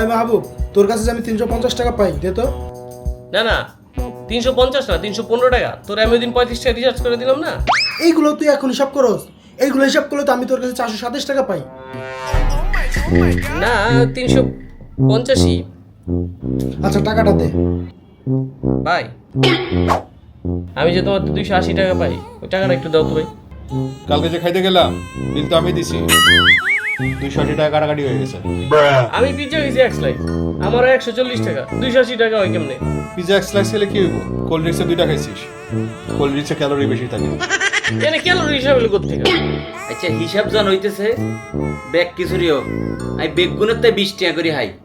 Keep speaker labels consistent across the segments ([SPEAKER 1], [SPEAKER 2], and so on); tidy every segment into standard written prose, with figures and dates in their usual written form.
[SPEAKER 1] ভাই মাহবুব, তোর কাছে যে আমি 350 টাকা পাই, দে তো।
[SPEAKER 2] না না 350 না 315 টাকা। তোর আমি ওই দিন 35 টাকা রিচার্জ করে দিলাম না।
[SPEAKER 1] এইগুলো তুই এখন হিসাব করস? এইগুলো হিসাব করলে তো আমি তোর কাছে 427 টাকা পাই।
[SPEAKER 2] না 385।
[SPEAKER 1] আচ্ছা টাকাটা দে।
[SPEAKER 2] ভাই আমি যে তোমার 280 টাকা পাই, ওই টাকাটা একটু দাও তো ভাই।
[SPEAKER 3] কালকে যে খাইতে গেলাম বিল তো আমি দিছি, 280 টাকা কাটাকাটি হয়ে গেছে।
[SPEAKER 2] আমি পিজ্জা খেয়েছি এক স্লাইস, আমারও 140 টাকা, 280 টাকা হয় কেমনে?
[SPEAKER 3] পিজা এক স্লাইস খেলে কি হইব? কোল্ড ড্রিঙ্কসে 2টা খাইছিস, কোল্ড ড্রিঙ্কসে ক্যালোরি বেশি থাকে।
[SPEAKER 2] এনে ক্যালোরি হিসাব হলো কোত্থেকে?
[SPEAKER 4] আচ্ছা হিসাব জান হইতেছে ব্যাগ কিছুরি হোক, আমি বেগুনের তাই 20 টাকা করে হাই।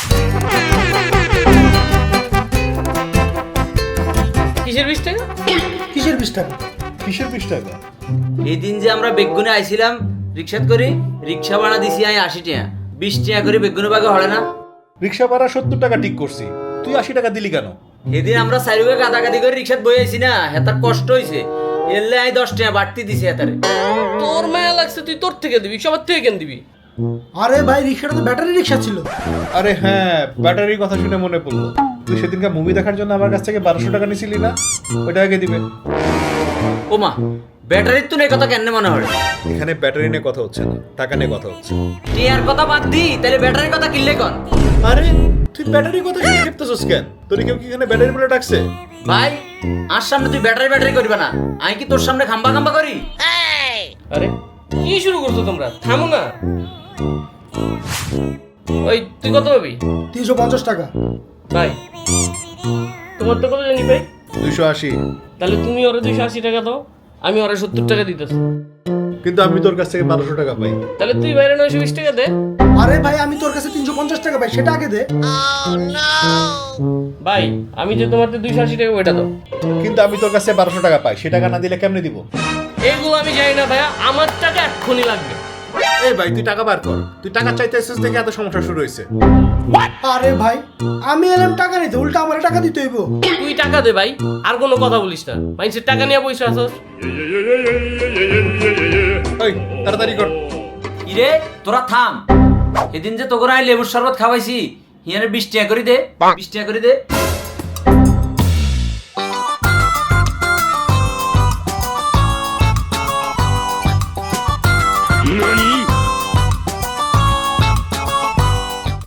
[SPEAKER 2] কিসের 20 টাকা?
[SPEAKER 1] কিসের 20 টাকা?
[SPEAKER 3] কিসের 20 টাকা?
[SPEAKER 4] এই দিন যে আমরা বেগুনে আইছিলাম রিক্সাত করি, রিক্সা ভাড়া দিছি আমি 80 টাকা, 20 টাকা করে বেগুনের বাগে হলে না?
[SPEAKER 3] রিক্সা ভাড়া 70 টাকা ঠিক করছি, তুই 80 টাকা দিলি কেন?
[SPEAKER 4] সেদিন আমরা চারিভাগে গাদাগাদি করে রিক্সাত বই আইছি না, হেতার কষ্ট হইছে, এলে আমি 10 টাকা বাড়তি দিছি হেতারে।
[SPEAKER 2] তোর মায়া লাগছে, তুই তোর থেকে দিবি, সবার থেকে কেন দিবি?
[SPEAKER 1] আরে ভাই, রিক্সাটা তো ব্যাটারি রিক্সা ছিল।
[SPEAKER 3] আরে হ্যাঁ, ব্যাটারির কথা শুনে মনে পড়লো, তুই সেদিনকার মুভি দেখার জন্য আমার কাছ থেকে 1200 টাকা নিছিলি না? ওইটা আগে দিবে।
[SPEAKER 4] ওমা ব্যাটারির তো নেই কথা কেন মনে হয়?
[SPEAKER 3] এখানে ব্যাটারি নিয়ে কথা হচ্ছে না, টাকা নিয়ে কথা হচ্ছে।
[SPEAKER 4] টিয়ার কথা বাদ দি, তাহলে ব্যাটারির কথা কিনলে কন?
[SPEAKER 3] আরে তুই ব্যাটারির কথা শুনে খেপতেছস কেন? তোর কেউ কি এখানে ব্যাটারি বলে ডাকছে?
[SPEAKER 4] ভাই আর সামনে তুই ব্যাটারি ব্যাটারি করবে না, আমি কি তোর সামনে খাম্বা খাম্বা করি?
[SPEAKER 2] আরে কি শুরু করছো তোমরা? থামো না। ওই তুই কত পাবি?
[SPEAKER 1] 350 টাকা।
[SPEAKER 2] ভাই তোমার তো কত জানি ভাই?
[SPEAKER 3] 280।
[SPEAKER 2] তাহলে তুমি ওরা 280 টাকা দাও, আমি ওরা 70 টাকা দিতেছি।
[SPEAKER 3] কিন্তু আমি তোর কাছ থেকে 1200 টাকা পাই।
[SPEAKER 2] তাহলে তুই বাইরে 920 টাকা দে।
[SPEAKER 1] আরে ভাই, আমি তোর কাছে 350 টাকা পাই, সেটা আগে দে।
[SPEAKER 2] ভাই আমি যে তোমার 280 টাকা ওইটা দাও।
[SPEAKER 3] কিন্তু আমি তোর কাছে 1200 টাকা পাই, সে টাকা না দিলে কেমনে দিব?
[SPEAKER 2] এগুলো আমি জানি না ভাইয়া, আমার টাকা এক্ষুনি লাগবে।
[SPEAKER 3] এই ভাই তুই টাকা বার কর, তুই টাকা চাইতে এসেছিস দেখে এত সমস্যা শুরু হয়েছে।
[SPEAKER 1] আরে ভাই, আমি এলাম টাকা নিতে, উল্টা আমার টাকা দিতে হইব।
[SPEAKER 2] তুই টাকা দে ভাই, আর কোনো কথা বলিস না। মানুষের টাকা নিয়ে বসে আসছ।
[SPEAKER 3] ওই তাড়াতাড়ি কর।
[SPEAKER 4] ইরে তোরা থাম, সেদিন যে তোকে আমি লেবুর শরবত খাওয়াইছি, হিয়ারে 20 টাকা করে দে, 20 টাকা করে দে।